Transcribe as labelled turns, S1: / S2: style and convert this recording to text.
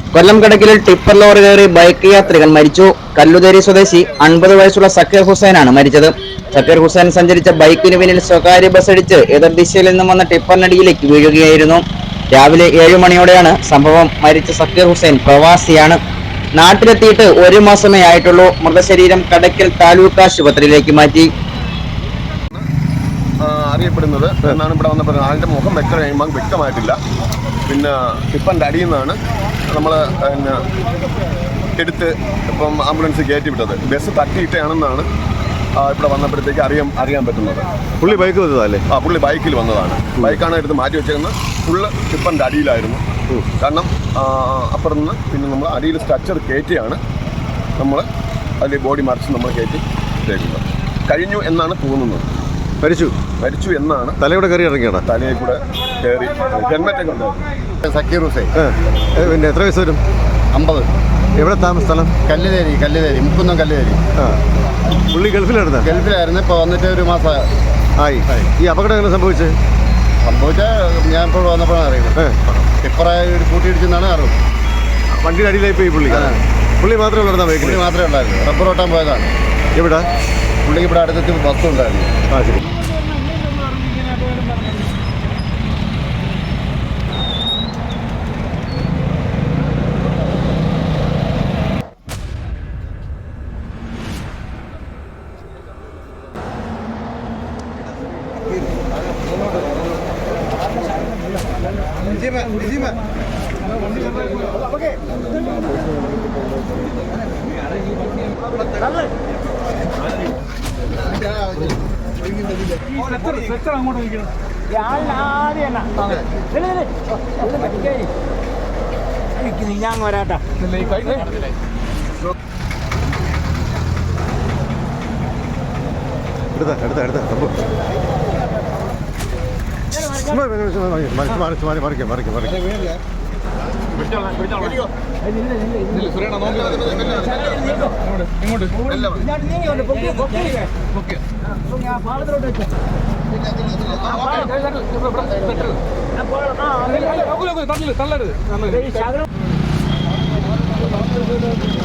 S1: കൊല്ലം കടക്കിലിൽ tipper lorry കയറി bike യാത്രികൻ മരിച്ചു. കല്ലുതേരി സ്വദേശി 50 വയസ്സുള്ള സക്കീർ ഹുസൈനാണ് മരിച്ചത്. സക്കീർ ഹുസൈൻ സഞ്ചരിച്ച ബൈക്കിന് പിന്നിൽ സ്വകാര്യ ബസ് ഇടിച്ച് എതിർ ദിശയിൽ നിന്നും വന്ന ടിപ്പറിനടിയിലേക്ക് വീഴുകയായിരുന്നു. രാവിലെ 7 മണിയോടെയാണ് സംഭവം. മരിച്ച സക്കീർ ഹുസൈൻ പ്രവാസിയാണ്. നാട്ടിലെത്തിയിട്ട് 1 മാസമേ ആയിട്ടുള്ളൂ. മൃതശരീരം കടക്കൽ താലൂക്ക് ആശുപത്രിയിലേക്ക് മാറ്റി.
S2: അറിയപ്പെടുന്നത് എന്നാണ് ഇവിടെ വന്നപ്പോൾ ആളുടെ മുഖം വ്യക്തമായിട്ടില്ല. പിന്നെ ടിപ്പറിൻ്റെ അടിയിൽ നിന്നാണ് നമ്മൾ പിന്നെ എടുത്ത് ഇപ്പം ആംബുലൻസ് കയറ്റി വിട്ടത്. ബസ് തട്ടിയിട്ടാണെന്നാണ് ഇവിടെ വന്നപ്പോഴത്തേക്ക് അറിയാൻ പറ്റുന്നത്.
S3: പുള്ളി ബൈക്ക് വന്നതല്ലേ?
S2: പുള്ളി ബൈക്കിൽ വന്നതാണ്. ബൈക്കാണ് എടുത്ത് മാറ്റി വെച്ചേക്കുന്നത്. ഫുള്ള് ടിപ്പറിൻ്റെ അടിയിലായിരുന്നു. കാരണം അപ്പുറത്ത് നിന്ന് പിന്നെ നമ്മൾ അടിയിൽ സ്ട്രക്ചർ കയറ്റിയാണ് നമ്മൾ അതിൽ ബോഡി മറിച്ച് നമ്മൾ കയറ്റി ഇട്ടേക്കുന്നത്. കഴിഞ്ഞു എന്നാണ് തോന്നുന്നത്. മരിച്ചു എന്നാണ്.
S3: തലയുടെ കയറി ഇറങ്ങിയാണ്.
S2: തലയിൽ കൂടെ കയറി ഹെൽമെറ്റൊക്കെ ഉണ്ടായിരുന്നു.
S4: സക്കീർ ഹുസൈൻ.
S3: പിന്നെ എത്ര വയസ്സ് വരും?
S4: 50.
S3: എവിടെ സ്ഥലം?
S4: കല്ലുതേരി മുക്കുന്നം കല്ലുതേരി.
S3: പുള്ളി
S4: ഗൾഫിലായിരുന്നു. ഇപ്പോൾ വന്നിട്ട് 1 മാസം
S3: ആയി. ഈ അപകടം എങ്ങനെ സംഭവിച്ചാൽ
S4: ഞാൻ ഇപ്പോൾ വന്നപ്പോഴാണ് അറിയുന്നത്. ടിപ്പറായി കൂട്ടിയിടിച്ചെന്നാണ് അറിവ്.
S3: വണ്ടിയുടെ അടിയിലായി പോയി പുള്ളി മാത്രമേ ഉള്ളൂ?
S4: പുള്ളി മാത്രമേ ഉണ്ടായിരുന്നു. റബ്ബർ ഓട്ടാൻ പോയതാണ്.
S3: എവിടെ?
S4: പുള്ളിക്ക് ഇവിടെ അടുത്തെത്തി ബസ് ഉണ്ടായിരുന്നു.
S3: ശരി.
S5: ഞാൻ വരാട്ടാ.
S3: എടുത്ത സംഭവം
S5: തള്ളരുത്.